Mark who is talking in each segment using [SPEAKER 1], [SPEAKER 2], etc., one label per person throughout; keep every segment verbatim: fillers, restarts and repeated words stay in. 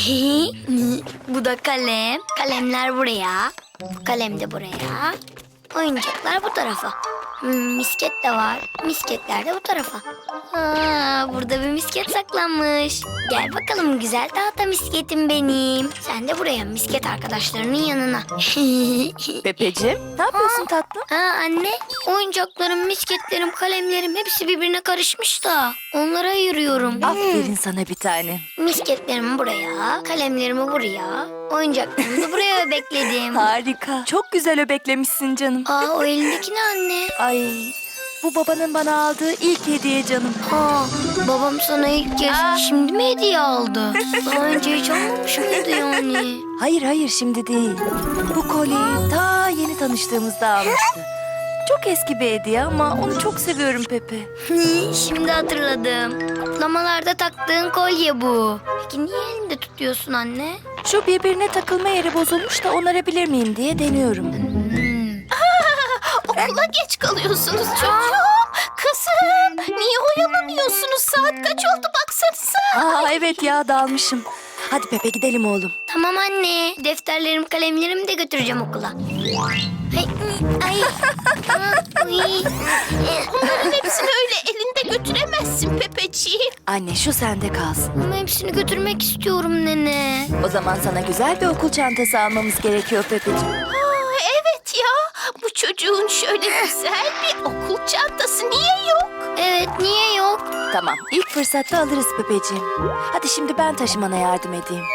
[SPEAKER 1] Bu da kalem. Kalemler buraya. Bu kalem de buraya. Oyuncaklar bu tarafa. Hmm, misket de var. Misketler de bu tarafa. Aa, burada bir misket saklanmış. Gel bakalım güzel tahta misketim benim. Sen de buraya misket arkadaşlarının yanına.
[SPEAKER 2] Pepeciğim, ne yapıyorsun tatlım?
[SPEAKER 1] Aa, anne, oyuncaklarım, misketlerim, kalemlerim hepsi birbirine karışmış da onlara ayırıyorum.
[SPEAKER 2] Aferin sana bir tane.
[SPEAKER 1] Misketlerimi buraya, kalemlerimi buraya, oyuncaklarımı da buraya bekledim.
[SPEAKER 2] Harika. Çok güzel öbeklemişsin canım.
[SPEAKER 1] Aa, o elindeki ne anne?
[SPEAKER 2] Ay, bu babanın bana aldığı ilk hediye canım.
[SPEAKER 1] Aa, babam sana ilk kez
[SPEAKER 2] Aa.
[SPEAKER 1] şimdi mi hediye aldı? Daha önce hiç almamış mıydı yani?
[SPEAKER 2] Hayır hayır şimdi değil. Bu kolyeyi ta yeni tanıştığımızda almıştı. Çok eski bir hediye ama onu çok seviyorum Pepe.
[SPEAKER 1] Şimdi hatırladım. Kutlamalarda taktığın kolye bu. Peki niye elinde tutuyorsun anne?
[SPEAKER 2] Şu birbirine takılma yeri bozulmuş da onarabilir miyim diye deniyorum.
[SPEAKER 1] Hmm.
[SPEAKER 3] Okula geç kalıyorsunuz çocuğum. Kızım, niye oyalanıyorsunuz? Saat kaç oldu baksanıza.
[SPEAKER 2] Aa evet ya dalmışım. Hadi Pepe gidelim oğlum.
[SPEAKER 1] Tamam anne. Defterlerimi, kalemlerimi de götüreceğim okula. Ay, ay. Aa, uy.
[SPEAKER 3] Bunların hepsini öyle elinde götüremezsin Pepeciğim.
[SPEAKER 2] Anne şu sende kalsın.
[SPEAKER 1] Ama hepsini götürmek istiyorum nene.
[SPEAKER 2] O zaman sana güzel bir okul çantası almamız gerekiyor Pepeciğim.
[SPEAKER 3] Aa, evet ya, bu çocuğun şöyle güzel bir okul çantası niye yok?
[SPEAKER 1] Evet, niye yok?
[SPEAKER 2] Tamam ilk fırsatta alırız Pepeciğim. Hadi şimdi ben taşımana yardım edeyim.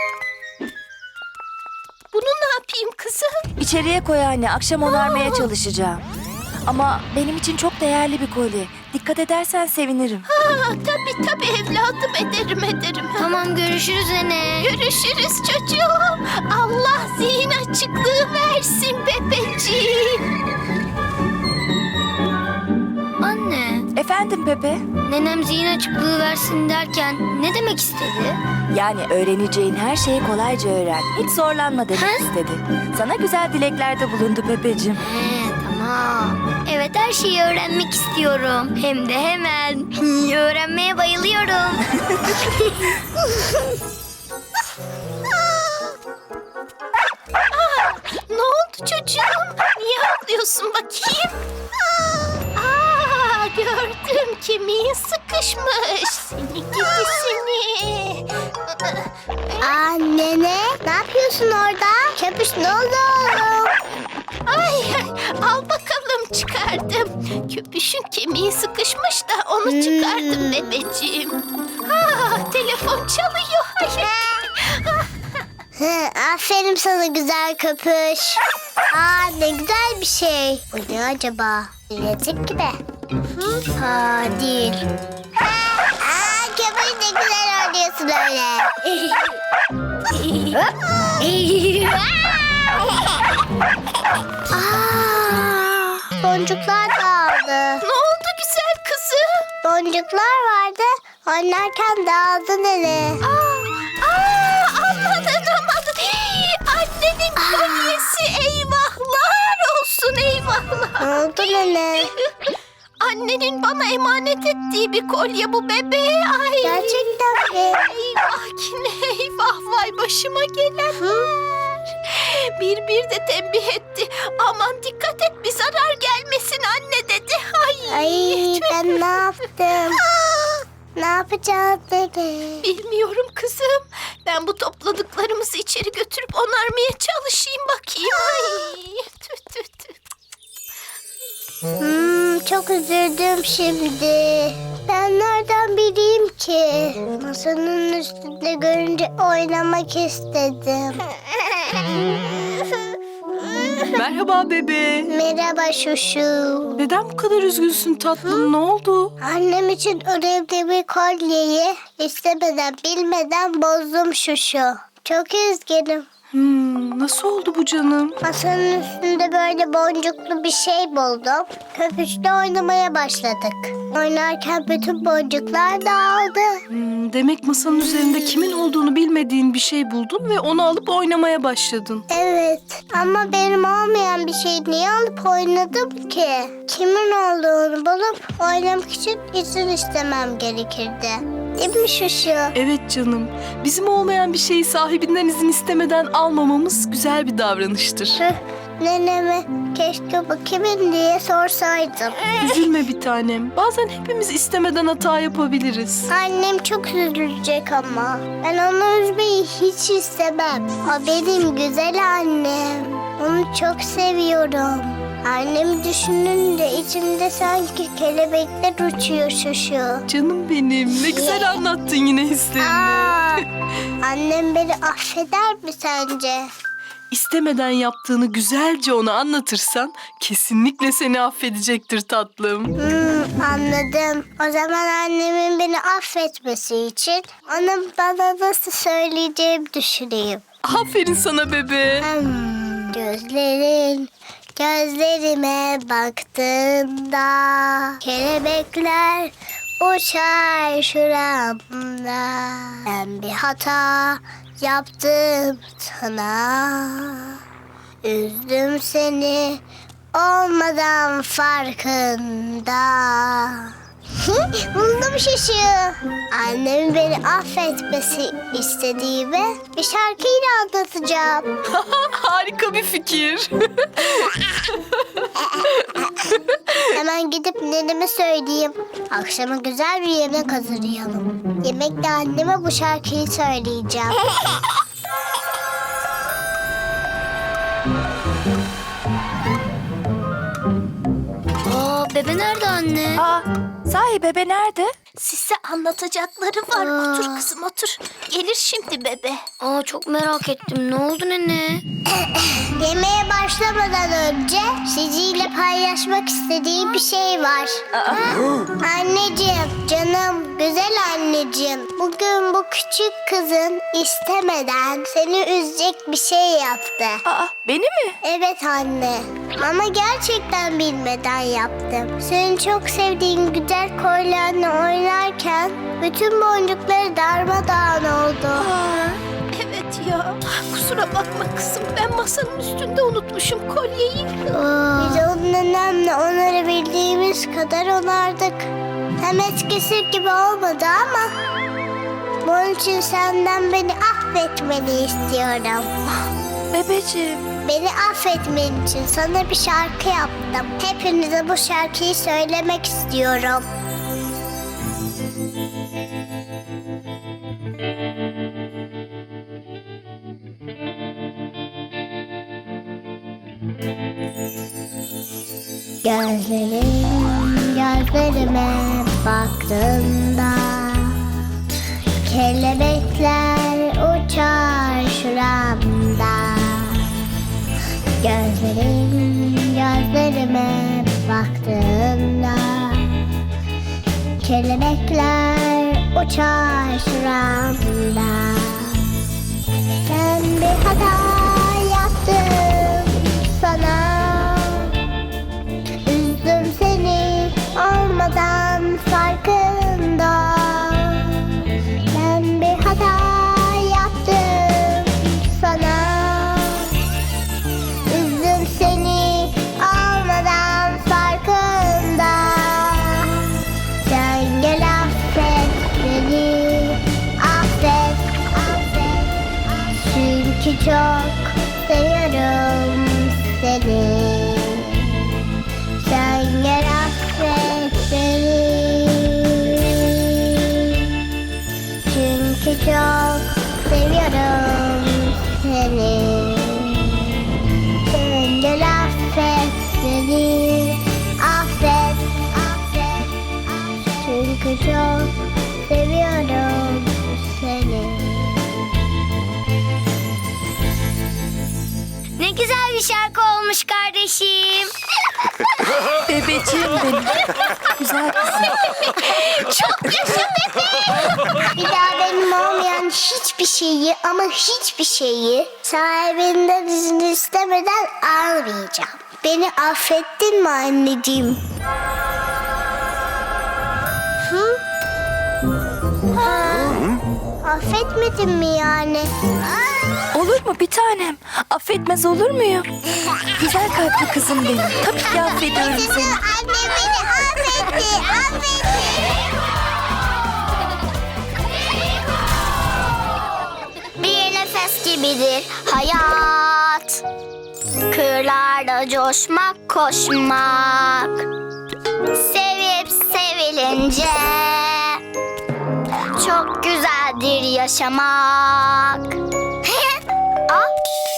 [SPEAKER 3] Bunu ne yapayım kızım?
[SPEAKER 2] İçeriye koy anne akşam onarmaya çalışacağım. Ama benim için çok değerli bir kolye. Dikkat edersen sevinirim.
[SPEAKER 3] Aa, tabii tabii evladım, ederim ederim.
[SPEAKER 1] Tamam, görüşürüz nene.
[SPEAKER 3] Görüşürüz çocuğum. Allah zihin açıklığı versin Pepeciğim.
[SPEAKER 1] Anne,
[SPEAKER 2] Efendim Pepe?
[SPEAKER 1] nenem zihin açıklığı versin derken ne demek istedi?
[SPEAKER 2] Yani öğreneceğin her şeyi kolayca öğren. Hiç zorlanma demek
[SPEAKER 1] He?
[SPEAKER 2] istedi. Sana güzel dileklerde bulundu Pepeciğim.
[SPEAKER 1] He, tamam. Evet, her şeyi öğrenmek istiyorum. Hem de hemen. Öğrenmeye bayılıyorum.
[SPEAKER 3] Ne oldu çocuğum? Niye ağlıyorsun bakayım? Aa, gördüm, kemiğin sıkışmış. Seni gidi seni.
[SPEAKER 4] Anne ne? Ne yapıyorsun orada? Köpüş ne oldu oğlum?
[SPEAKER 3] Ay, al bakalım çıkardım. Köpüşün kemiği sıkışmış da onu çıkardım bebeciğim. Ha, telefon çalıyor. Ay.
[SPEAKER 4] Hı, aferin sana güzel köpüş. Aa ne güzel bir şey. Bu ne acaba? Bilezik gibi. Hı? Ha değil. Aa köpüş ne güzel oynuyorsun öyle. Aa, boncuklar dağıldı.
[SPEAKER 3] Ne oldu güzel kızım?
[SPEAKER 4] Boncuklar vardı. Oynarken dağıldı nene.
[SPEAKER 3] Aa, aa, amanın amanın. Hii, annenin kolyesi, eyvahlar olsun eyvahlar.
[SPEAKER 4] Ne oldu nene?
[SPEAKER 3] Annenin bana emanet ettiği bir kolye bu bebeğe. Ay.
[SPEAKER 4] Gerçekten mi?
[SPEAKER 3] Eyvah yine eyvah, vay başıma gelenler. Bir bir de tembih etti. Aman dikkat et, bir zarar gelmesin anne dedi. Ay,
[SPEAKER 4] Ay ben ne yaptım? Ne yapacağız bebe?
[SPEAKER 3] bilmiyorum kızım. Ben bu topladıklarımızı içeri götürüp onarmaya çalışayım bakayım. Ay, tüh tüh tüh.
[SPEAKER 4] Hmm, çok üzüldüm şimdi. Ben nereden bileyim ki? Masanın üstünde görünce oynamak istedim.
[SPEAKER 5] Merhaba bebe.
[SPEAKER 4] Merhaba Şuşu.
[SPEAKER 5] Neden bu kadar üzgünsün tatlım? Ne oldu?
[SPEAKER 4] Annem için önemli bir kolyeyi istemeden bilmeden bozdum Şuşu. Çok üzgünüm.
[SPEAKER 5] Hmm, nasıl oldu bu canım?
[SPEAKER 4] Masanın üstünde böyle boncuklu bir şey buldum. Köpüşle oynamaya başladık. Oynarken bütün boncuklar dağıldı.
[SPEAKER 5] Hmm, demek masanın üzerinde kimin olduğunu bilmediğin bir şey buldun ve onu alıp oynamaya başladın.
[SPEAKER 4] Evet ama benim olmayan bir şeyi niye alıp oynadım ki? Kimin olduğunu bulup oynamak için izin istemem gerekirdi. Değil mi Şuşu?
[SPEAKER 5] Evet canım. Bizim olmayan bir şeyi sahibinden izin istemeden almamamız güzel bir davranıştır.
[SPEAKER 4] Tüh, neneme keşke bu kimin diye sorsaydım.
[SPEAKER 5] Üzülme bir tanem. Bazen hepimiz istemeden hata yapabiliriz.
[SPEAKER 4] Annem çok üzülecek ama. Ben onu üzmeyi hiç istemem. O benim güzel annem. Onu çok seviyorum. Annemi düşününce içimde sanki kelebekler uçuyor Şuşu.
[SPEAKER 5] Canım benim. Ne güzel anlattın yine hislerini.
[SPEAKER 4] Aa, annem beni affeder mi sence?
[SPEAKER 5] İstemeden yaptığını güzelce ona anlatırsan kesinlikle seni affedecektir tatlım.
[SPEAKER 4] Hmm, anladım. O zaman annemin beni affetmesi için onu bana nasıl söyleyeceğimi düşüneyim.
[SPEAKER 5] Aferin sana bebe.
[SPEAKER 4] Hmm, gözlerin gözlerime baktığında kelebekler uçar şuramda. Ben bir hata yaptım sana. Üzdüm seni olmadan farkında. Buldum Şuşu. Annemin beni affetmesi istediğimi bir şarkıyla anlatacağım.
[SPEAKER 5] Harika bir fikir.
[SPEAKER 4] Hemen gidip neneme söyleyeyim. Akşama güzel bir yemek hazırlayalım. Yemekte anneme bu şarkıyı söyleyeceğim.
[SPEAKER 1] Aa, bebe nerede anne?
[SPEAKER 2] Aa, sahi bebe nerede?
[SPEAKER 3] Size anlatacakları var.
[SPEAKER 1] Aa.
[SPEAKER 3] Otur kızım otur. Gelir şimdi bebe.
[SPEAKER 1] Aa, çok merak ettim. Ne oldu nene?
[SPEAKER 4] Yemeğe başlamadan önce sizinle paylaşmak istediğim bir şey var. Anneciğim, canım, güzel anneciğim. Bugün bu küçük kızın istemeden seni üzecek bir şey yaptı.
[SPEAKER 2] Aa, beni mi?
[SPEAKER 4] Evet anne. Ama gerçekten bilmeden yaptım. Senin çok sevdiğin güzel kolyenle oynarken bütün boncukları darmadağın oldu.
[SPEAKER 3] Evet ya. Kusura bakma kızım. Ben masanın üstünde unutmuşum kolyeyi.
[SPEAKER 4] Biz onun nenemle onarabildiğimiz kadar onardık. Hem eskisi gibi olmadı ama bunun için senden beni affetmeni istiyorum.
[SPEAKER 2] Bebeciğim.
[SPEAKER 4] Beni affetmen için sana bir şarkı yaptım. Hepinize bu şarkıyı söylemek istiyorum. Gözlerim gözlerime baktığında kelebekler uçar şuramda. Gözlerim gözlerime baktığında kelebekler uçar şuramda. Ben bir hata yaptım sana. Üzdüm seni olmadan farkında. Ben bir hata yaptım sana. Üzdüm seni olmadan farkında. Sen gel affet beni, affet, affet. Çünkü çok seviyorum seni. Sen gel affet beni. Çünkü çok seviyorum seni. Sen gel affet beni. Affet, affet, affet. Çünkü çok seviyorum seni.
[SPEAKER 1] Ne güzel bir şarkı olmuş kardeşim.
[SPEAKER 2] Bebeciğim benim. Güzel kızım.
[SPEAKER 4] Bir daha benim olmayan hiçbir şeyi ama hiçbir şeyi sahibinden izin istemeden almayacağım. Beni affettin mi anneciğim? Hı? Ha? Affetmedin mi yani?
[SPEAKER 2] Olur mu bir tanem? Affetmez olur muyum? Güzel kalpli kızım benim. Tabii ki affediyorum seni.
[SPEAKER 4] Anne beni affetti, affetti. Rüzgarlarda coşmak, koşmak. Sevip sevilince çok güzeldir yaşamak. Aa,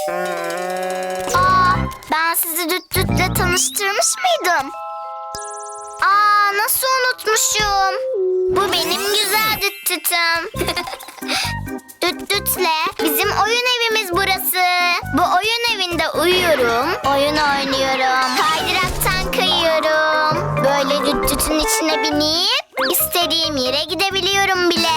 [SPEAKER 4] Aa, ben sizi düt dütle tanıştırmış mıydım? Aa, nasıl unutmuşum? Bu benim güzel düt dütüm. Düt dütle bizim oyun evimiz burası. Bu oyun evinde uyuyorum, oyun oynuyorum, kaydıraktan kayıyorum. Böyle düt dütün içine binip istediğim yere gidebiliyorum bile.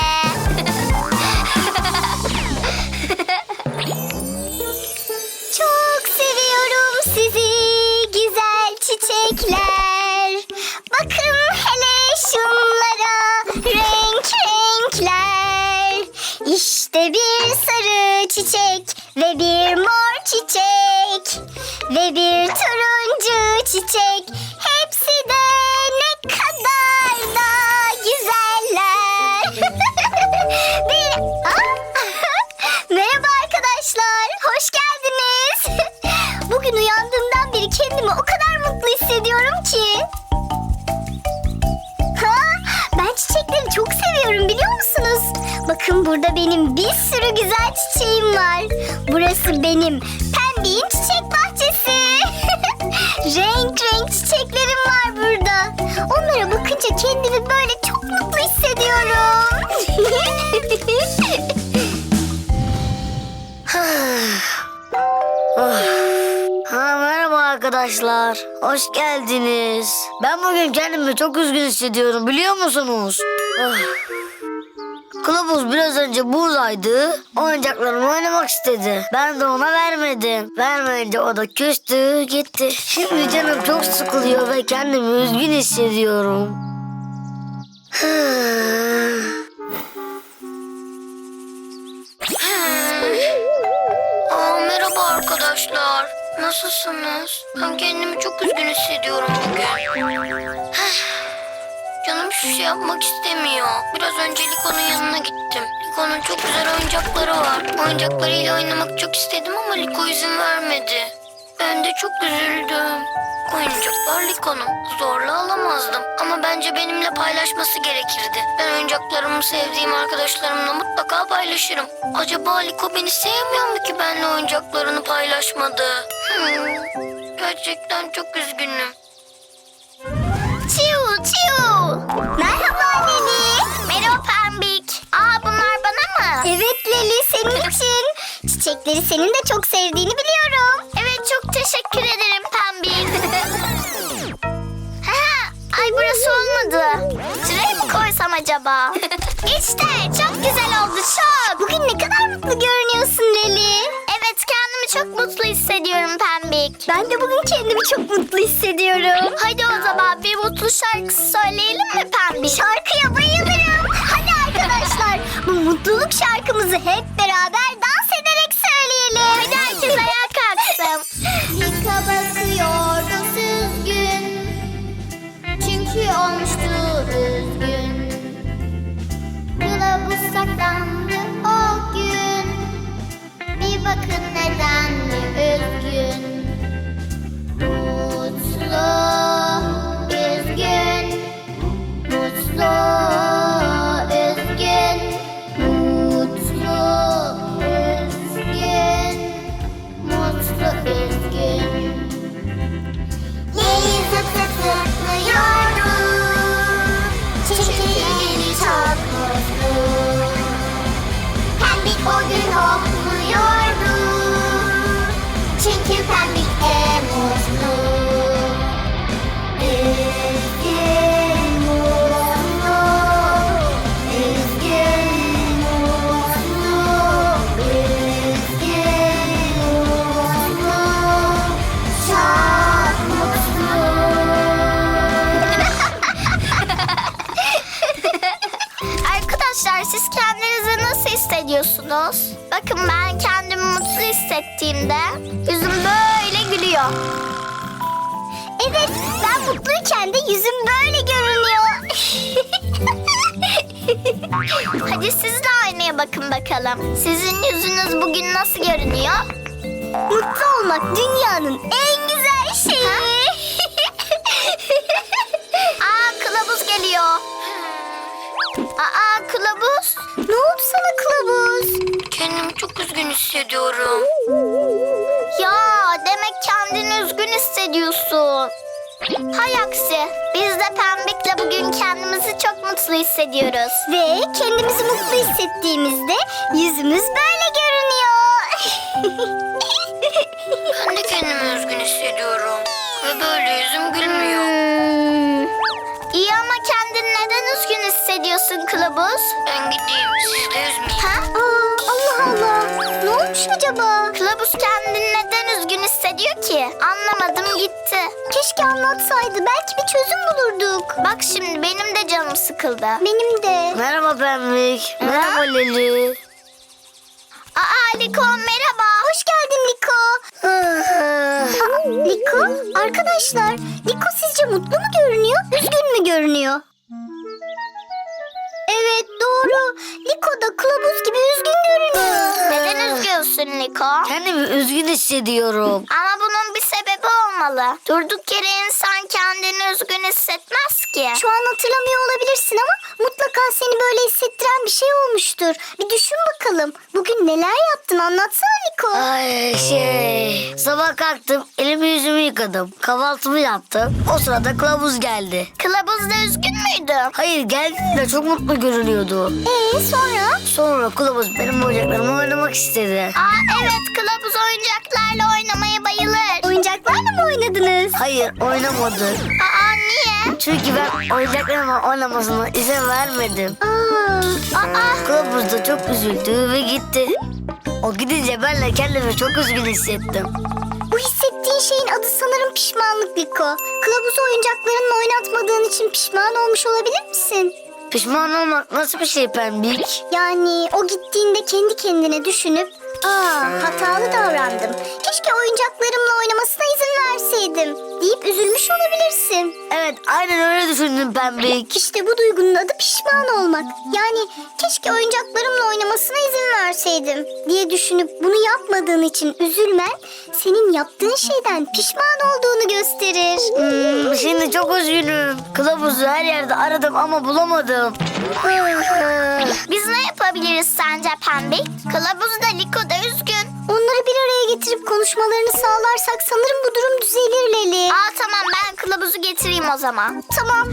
[SPEAKER 4] Çok seviyorum sizi güzel çiçekler. Bakın hele şunlara renk renkler. İşte bir sarı çiçek ve bir mor çiçek ve bir turuncu çiçek. Hepsi de ne kadar da güzeller. bir... Merhaba arkadaşlar, hoş geldiniz. Bugün uyandığımdan beri kendimi o kadar mutlu hissediyorum ki. Ha, ben çiçekleri çok seviyorum biliyor musunuz? Bakın burada benim bir sürü güzel çiçeğim var. Burası benim Pembik'in çiçek bahçesi. Renk renk çiçeklerim var burada. Onlara bakınca kendimi böyle çok mutlu hissediyorum.
[SPEAKER 6] Ha, merhaba arkadaşlar. Hoş geldiniz. Ben bugün kendimi çok üzgün hissediyorum biliyor musunuz? Ah. Kılavuz biraz önce buradaydı. Oyuncaklarımı oynamak istedi. Ben de ona vermedim. Vermeyince o da küstü gitti. Şimdi canım çok sıkılıyor ve kendimi üzgün hissediyorum.
[SPEAKER 1] Aa, merhaba arkadaşlar. Nasılsınız? Ben kendimi çok üzgün hissediyorum bugün. Canım hiçbir şey yapmak istemiyor. Biraz önce Liko'nun yanına gittim. Liko'nun çok güzel oyuncakları var. Oyuncaklarıyla oynamak çok istedim ama Liko izin vermedi. Ben de çok üzüldüm. Oyuncaklar Liko'nun. Zorla alamazdım. Ama bence benimle paylaşması gerekirdi. Ben oyuncaklarımı sevdiğim arkadaşlarımla mutlaka paylaşırım. Acaba Liko beni sevmiyor mu ki benimle oyuncaklarını paylaşmadı? Hmm, gerçekten çok üzgünüm.
[SPEAKER 4] Çiu çiu. Merhaba Leli. Merhaba Pembik. Aa, bunlar bana mı? Evet Leli, senin için. Çiçekleri senin de çok sevdiğini biliyorum. Evet, çok teşekkür ederim Pembik. Ha, ay burası olmadı. Şuraya mı koysam acaba? İşte çok güzel oldu çok. Bugün ne kadar mutlu görünüyorsun Leli. Evet, kendimi çok mutlu hissediyorum Pembik. Ben de bugün kendimi çok mutlu hissediyorum. Hadi o zaman bir mutlu şarkısı söyleyelim mi Pembik? Şarkıya bayılırım. Hadi arkadaşlar, bu mutluluk şarkımızı hep beraber dans ederek söyleyelim. Hadi herkes ayağa kalksın. Nika bakıyordu süzgün, çünkü olmuştu üzgün. Kılavuz saklandı o gün, bir bakın neden mi üzgün. Mutlu, üzgün, mutlu, üzgün, mutlu, üzgün, mutlu, üzgün. Leli zıp zıp zıplıyordu, çünkü Leli çok mutlu. Pembik o gün hopluyordu, çünkü Pembik en mutlu. Üzgün, mutlu, üzgün, mutlu, üzgün, mutlu, çok mutlu. Arkadaşlar, siz kendinizi nasıl hissediyorsunuz? Bakın, ben kendimi mutlu hissettiğimde yüzüm böyle gülüyor. Evet, ben mutluyken de yüzüm böyle görünüyor. Hadi siz de aynaya bakın bakalım. Sizin yüzünüz bugün nasıl görünüyor? Mutlu olmak dünyanın en güzel şeyi. Aa, kılavuz geliyor. Aa, kılavuz. Ne oldu sana kılavuz?
[SPEAKER 1] Kendimi çok üzgün hissediyorum.
[SPEAKER 4] Ya demek kendini üzgün hissediyorsun. Hay aksi. Biz de Pembik'le bugün kendimizi çok mutlu hissediyoruz. Ve kendimizi mutlu hissettiğimizde yüzümüz böyle görünüyor.
[SPEAKER 1] Ben de kendimi üzgün hissediyorum. Ve böyle yüzüm gülmüyor.
[SPEAKER 4] Hmm. İyi ama kendini neden üzgün hissediyorsun kılavuz?
[SPEAKER 1] Ben gideyim, siz de üzmeyin.
[SPEAKER 4] Ha? Aa, Allah Allah. Ne olmuş acaba? Kılavuz kendini neden üzgün hissediyor ki? Anlamadım gitti. Keşke anlatsaydı. Belki bir çözüm bulurduk. Bak şimdi benim de canım sıkıldı. Benim de.
[SPEAKER 6] Merhaba Pembik. Merhaba Leli.
[SPEAKER 4] Aa Liko merhaba. Hoş geldin Liko. Aa, Liko? Arkadaşlar Liko sizce mutlu mu görünüyor? Üzgün mü görünüyor? Evet doğru. Liko da kılavuz gibi üzgün görünüyor. Neden üzgünsün Liko?
[SPEAKER 6] Kendimi üzgün hissediyorum.
[SPEAKER 4] Ama bunun bir sebebi olmalı. Durduk yere insan kendini üzgün hissetmez ki. Şu an hatırlamıyor olabilirsin ama mutlaka seni böyle hissettiren bir şey olmuştur. Bir düşün bakalım. Bugün neler yaptın anlatsana Liko.
[SPEAKER 6] Ay şey. Sabah kalktım, elimi yüzümü yıkadım. Kahvaltımı yaptım. O sırada kılavuz geldi.
[SPEAKER 4] Kılavuz da üzgün müydü?
[SPEAKER 6] Hayır geldi de çok mutlu görünüyordu.
[SPEAKER 4] Ee sonra?
[SPEAKER 6] Sonra kılavuz benim oyuncaklarımla oynamak istedi.
[SPEAKER 4] Aa evet kılavuz oyuncaklarla oynamaya bayılır. Oyuncaklarla mı oynadınız?
[SPEAKER 6] Hayır oynamadı.
[SPEAKER 4] Aa niye?
[SPEAKER 6] Çünkü ben oyuncaklarımla oynamasına izin vermedim.
[SPEAKER 4] Aa, aa.
[SPEAKER 6] Kılavuz da çok üzüldü ve gitti. O gidince ben de kendimi çok üzgün hissettim.
[SPEAKER 4] Bu hissettiğin şeyin adı sanırım pişmanlık Liko. Kılavuzu oyuncaklarınla oynatmadığın için pişman olmuş olabilir misin?
[SPEAKER 6] Pişman olmak nasıl bir şey Pembik?
[SPEAKER 4] Yani o gittiğinde kendi kendine düşünüp ''Aa hatalı davrandım. Keşke oyuncaklarımla oynamasına izin verseydim.'' deyip üzülmüş olabilirsin.
[SPEAKER 6] Evet aynen öyle düşündüm Pembik.
[SPEAKER 4] İşte bu duygunun adı pişman olmak. Yani keşke oyuncaklarımla oynamasına izin verseydim diye düşünüp bunu yapmadığın için üzülmen senin yaptığın şeyden pişman olduğunu gösterir.
[SPEAKER 6] Hmm, şimdi çok üzgünüm. Kılavuzu her yerde aradım ama bulamadım.
[SPEAKER 4] Biz ne yapabiliriz sence Pembik? Kılavuz da Liko da üzgün. Onları bir araya getirip konuşmalarını sağlarsak sanırım bu durum düzelir Leli. Aa tamam ben kılavuzu getireyim o zaman. Tamam.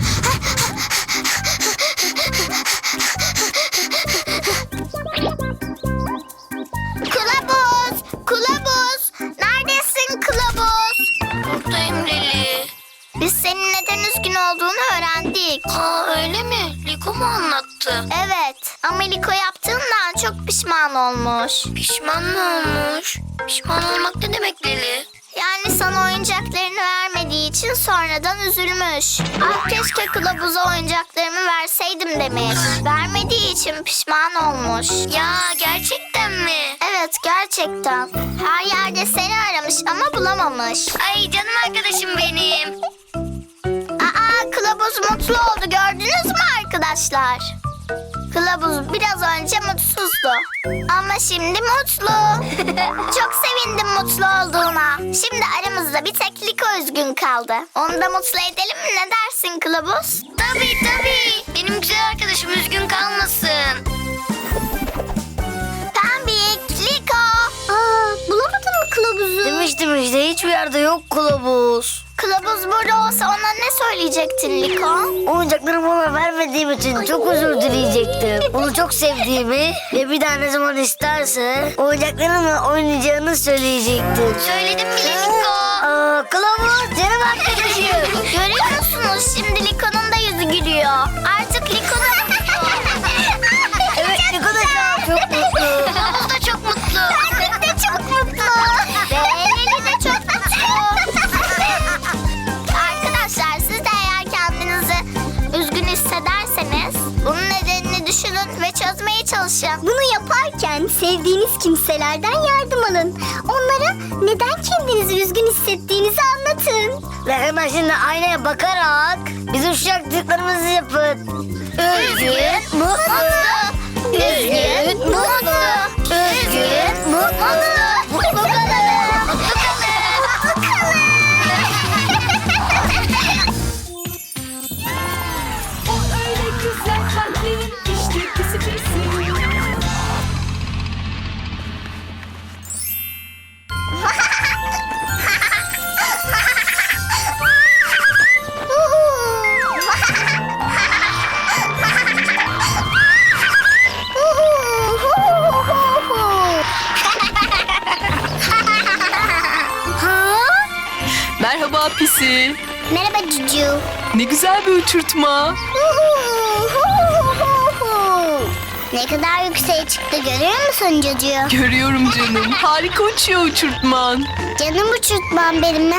[SPEAKER 4] Kılavuz! Kılavuz! Neredesin kılavuz?
[SPEAKER 1] Buradayım Leli.
[SPEAKER 4] Biz senin neden üzgün olduğunu öğrendik.
[SPEAKER 1] Aa öyle mi? Liko mu anlattı?
[SPEAKER 4] Evet ama Liko yaptığından çok pişman olmuş.
[SPEAKER 1] Pişman mı olmuş? Pişman olmak ne demek Leli?
[SPEAKER 4] Yani sana oyuncaklarını vermediği için sonradan üzülmüş. Ah keşke kılavuza oyuncaklarımı verseydim demiş. Vermediği için pişman olmuş.
[SPEAKER 1] Ya gerçekten mi?
[SPEAKER 4] Evet gerçekten. Her yerde seni aramış ama bulamamış.
[SPEAKER 1] Ay canım arkadaşım benim.
[SPEAKER 4] Aa kılavuz mutlu oldu gördünüz mü arkadaşlar? Kılavuz biraz önce mutsuzdu. Ama şimdi mutlu. Çok sevindim mutlu olduğuna. Şimdi aramızda bir tek Liko üzgün kaldı. Onu da mutlu edelim mi ne dersin kılavuz?
[SPEAKER 1] Tabii tabii. Benim güzel arkadaşım üzgün kalmasın.
[SPEAKER 4] Pembik, Liko. Aa, bulamadın mı kılavuzu?
[SPEAKER 6] Demiştim işte hiçbir yerde yok kılavuz.
[SPEAKER 4] Kılavuz burada olsa ona ne söyleyecektin Liko?
[SPEAKER 6] Oyuncaklarımı ona vermediğim için çok özür dileyecektim. Onu çok sevdiğimi ve bir daha ne zaman isterse oyuncaklarımla oynayacağını söyleyecektim.
[SPEAKER 1] Söyledim bile Liko.
[SPEAKER 6] Aa, kılavuz canım arkadaşım.
[SPEAKER 4] Görüyor musunuz şimdi Liko'nun da yüzü gülüyor. Artık Liko da mutlu.
[SPEAKER 6] Evet Liko da şu an çok mutlu.
[SPEAKER 1] Kılavuz da çok mutlu.
[SPEAKER 4] Pembik de çok mutlu. Ve Leli de çok mutlu. Arkadaşlar siz de eğer kendinizi üzgün hissederseniz bunun nedenini düşünün ve çözmeye çalışın. Bunu yaparken sevdiğiniz kimselerden yardım alın. Onlara neden kendinizi üzgün hissettiğinizi anlatın.
[SPEAKER 6] Ve hemen şimdi aynaya bakarak bizim şu yaptıklarımızı yapın. Üzgün, mutlu.
[SPEAKER 4] Üzgün, mutlu. Üzgün, mutlu. Bu kadar.
[SPEAKER 5] Pisi.
[SPEAKER 4] Merhaba Cucu.
[SPEAKER 5] Ne güzel bir uçurtma.
[SPEAKER 4] Ne kadar yükseğe çıktı görüyor musun Cucu?
[SPEAKER 5] Görüyorum canım. Harika uçuyor uçurtman.
[SPEAKER 4] Canım uçurtmam benim.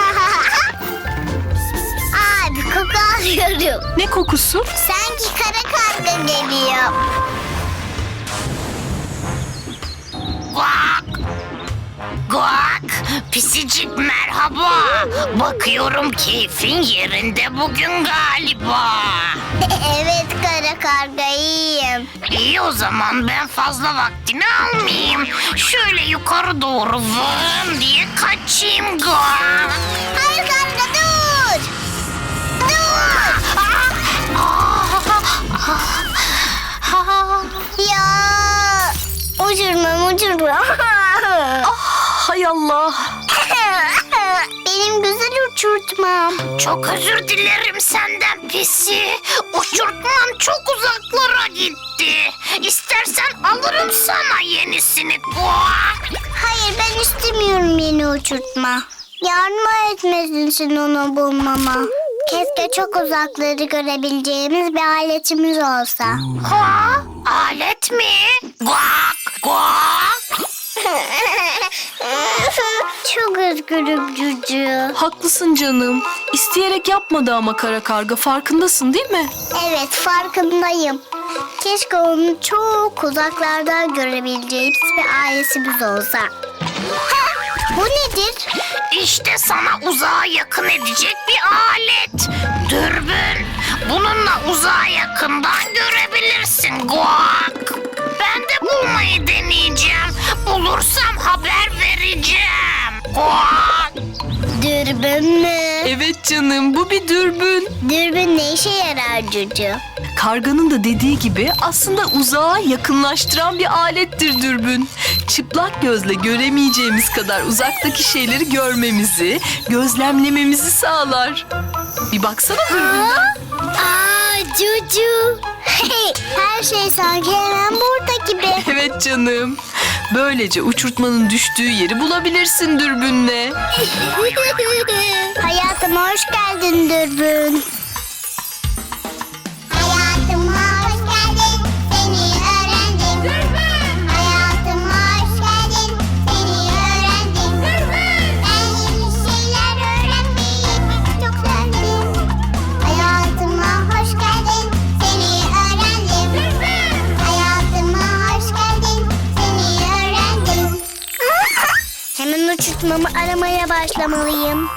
[SPEAKER 4] Aa, bir koku alıyorum.
[SPEAKER 5] Ne kokusu?
[SPEAKER 4] Sanki kara karga geliyor.
[SPEAKER 3] Guak! Guak! Pisicik merhaba. Bakıyorum keyfin yerinde bugün galiba.
[SPEAKER 4] Evet kara karga iyiyim.
[SPEAKER 3] İyi o zaman ben fazla vaktini almayayım. Şöyle yukarı doğru vın diye kaçayım Guak.
[SPEAKER 4] Hayır karga dur. Dur. Ya uçurmam uçurmam.
[SPEAKER 5] Hay Allah.
[SPEAKER 4] Benim güzel uçurtmam.
[SPEAKER 3] Çok özür dilerim senden pisi. Uçurtman çok uzaklara gitti. İstersen alırım sana yenisini. Guak!
[SPEAKER 4] Hayır ben istemiyorum yeni uçurtma. Yardım etmesin onu bulmama. Keşke çok uzakları görebileceğimiz bir aletimiz olsa.
[SPEAKER 3] Ha? Alet mi? Guak! Guak!
[SPEAKER 4] Çok üzgünüm Cucu.
[SPEAKER 5] Haklısın canım. İsteyerek yapmadı ama kara karga. Farkındasın değil mi?
[SPEAKER 4] Evet farkındayım. Keşke onu çok uzaklardan görebileceğimiz bir ailesimiz olsa. Ha, bu nedir?
[SPEAKER 3] İşte sana uzağa yakın edecek bir alet. Dürbün. Bununla uzağa yakından görebilirsin Guak. Ben de bulmayı deneyeceğim. Bulursam haber vereceğim. Guak.
[SPEAKER 4] Dürbün mü?
[SPEAKER 5] Evet canım, bu bir dürbün.
[SPEAKER 4] Dürbün ne işe yarar Cucu?
[SPEAKER 5] Karganın da dediği gibi aslında uzağa yakınlaştıran bir alettir dürbün. Çıplak gözle göremeyeceğimiz kadar uzaktaki şeyleri görmemizi, gözlemlememizi sağlar. Bir baksana dürbünden.
[SPEAKER 4] Aa Cucu. Her şey sanki hemen burada gibi.
[SPEAKER 5] Evet canım. Böylece uçurtmanın düştüğü yeri bulabilirsin dürbünle.
[SPEAKER 4] Hayatıma hoş geldin Dürbün. Hayatıma hoş geldin, seni öğrendim. Dürbün. Hayatıma hoş geldin, seni öğrendim. Dürbün. Ben yeni şeyler öğrenmeyi çok sevdim. Hayatıma hoş geldin, seni öğrendim. Dürbün. Hayatıma hoş geldin, seni öğrendim. Hemen uçurtmamı aramaya başlamalıyım.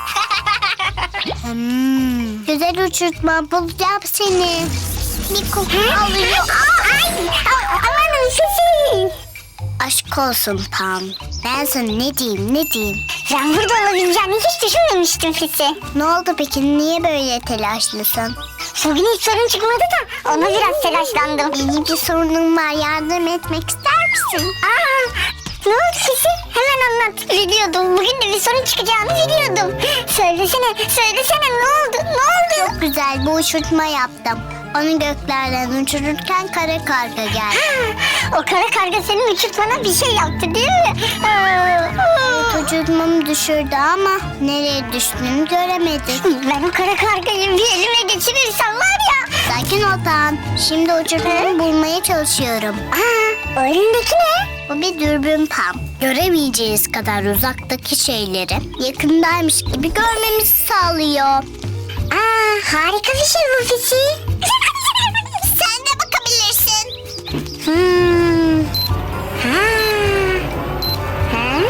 [SPEAKER 4] Hmm. Güzel uçurtma bulacağım seni. Bir koku alıyor. Ay, amanın sesi. Aşk olsun Pam. Ben sana ne diyeyim ne diyeyim.
[SPEAKER 7] Ben burada olabileceğini hiç düşünmemiştim Fisi.
[SPEAKER 4] Ne oldu peki niye böyle telaşlısın?
[SPEAKER 7] Bugün hiç sorun çıkmadı da ona biraz telaşlandım.
[SPEAKER 4] Benim bir sorunum var yardım etmek ister misin?
[SPEAKER 7] Aa, ne oldu Fisi? Hemen anlat. Biliyordum. Bugün de bir sorun çıkacağını biliyordum. Söylesene, söylesene ne oldu? Ne oldu?
[SPEAKER 4] Çok güzel bir uçurtma yaptım. Onu göklerden uçururken kara karga geldi.
[SPEAKER 7] O kara karga senin uçurtmana bir şey yaptı değil mi? Aa,
[SPEAKER 4] Evet, uçurtmamı düşürdü ama nereye düştüğünü göremedik.
[SPEAKER 7] ben o kara kargayı bir elime geçirirsem var ya.
[SPEAKER 4] Sakin ol Pam. Şimdi uçurtmamı bulmaya çalışıyorum.
[SPEAKER 7] Aa, o elindeki ne?
[SPEAKER 4] Bu bir dürbün Pam. Göremeyeceğiz kadar uzaktaki şeyleri yakındaymış gibi görmemizi sağlıyor.
[SPEAKER 7] Aa, harika bir şey bu Fisi.
[SPEAKER 4] Sen de bakabilirsin.
[SPEAKER 7] Hmm. Ha. Ha?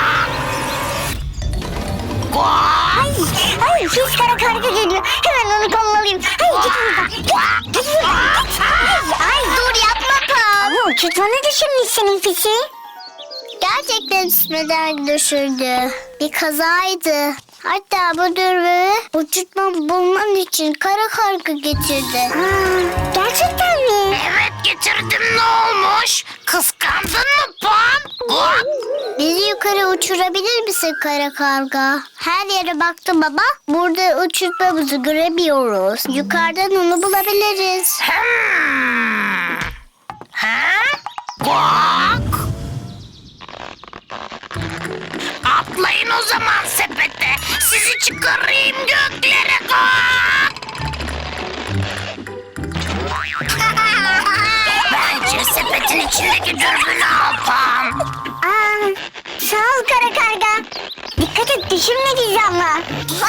[SPEAKER 3] Guak!
[SPEAKER 7] Ay, ay pis kara karga geliyor. Hemen onu kovalıyım. Ay git buradan. Git, git buradan. Ay, ay
[SPEAKER 4] Dur yapma Pam.
[SPEAKER 7] bu uçurtmanı düşürmüş senin Fisi.
[SPEAKER 4] Gerçekten ismeden düşürdü. Bir kazaydı. Hatta bu dürbünü uçurtmamı bulmam için kara karga getirdi.
[SPEAKER 7] Aa, gerçekten mi?
[SPEAKER 3] Evet getirdim ne olmuş? Kıskandın mı Pam? Guak!
[SPEAKER 4] Bizi yukarı uçurabilir misin kara karga? Her yere baktım baba. Burada uçurtmamızı göremiyoruz. Yukarıdan onu bulabiliriz.
[SPEAKER 3] Hmm. Ha? Guak! Atlayın o zaman sepete. Sizi çıkarayım göklere. Bence sepetin içindeki dürbünü alpam.
[SPEAKER 7] Aa, sağ ol kara karga. Dikkat et düşürme bizi ama.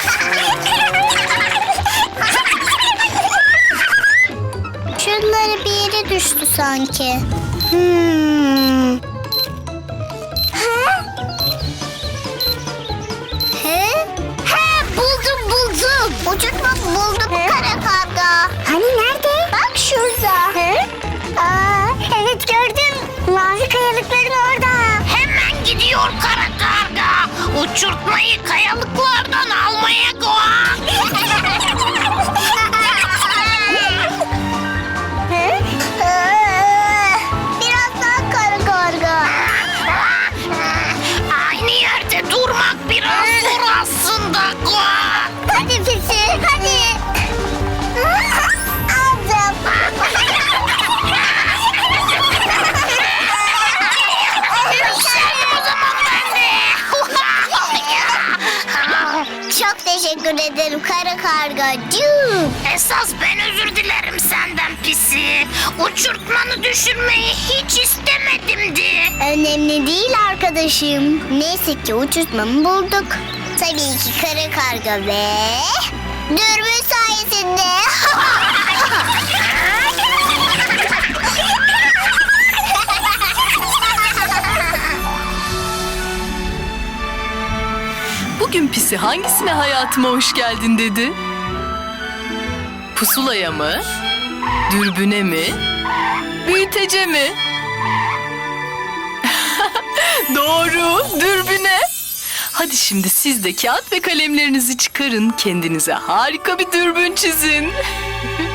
[SPEAKER 4] Şunları bir yere düştü sanki. Hmm. Ha? He? He, buldum buldum. Uçurtma buldum kara karga.
[SPEAKER 7] Hani nerede?
[SPEAKER 4] Bak şurada.
[SPEAKER 7] He? Aa, evet gördüm. Mavi kayalıkların orada.
[SPEAKER 3] Hemen gidiyor kara karga. Uçurtmayı kayalıklardan almaya koy.
[SPEAKER 7] He?
[SPEAKER 4] Ee, Biraz daha kara karga.
[SPEAKER 3] Aynı yerde durmak biraz zor aslında.
[SPEAKER 4] Hadi pisi hadi. Aldım.
[SPEAKER 3] Yükseldim o zaman ben de.
[SPEAKER 4] Çok teşekkür ederim kara kargacığım.
[SPEAKER 3] Esas ben özür dilerim senden pisi. Uçurtmanı düşürmeyi hiç istemedimdi.
[SPEAKER 4] Önemli değil arkadaşım. Neyse ki uçurtmamı bulduk. Tabii ki kara karga ve dürbün sayesinde.
[SPEAKER 5] Bugün pisi hangisine hayatıma hoş geldin dedi? Pusulaya mı? Dürbüne mi? Büyütece mi? Doğru, dürbüne. Hadi şimdi siz de kağıt ve kalemlerinizi çıkarın. Kendinize harika bir dürbün çizin.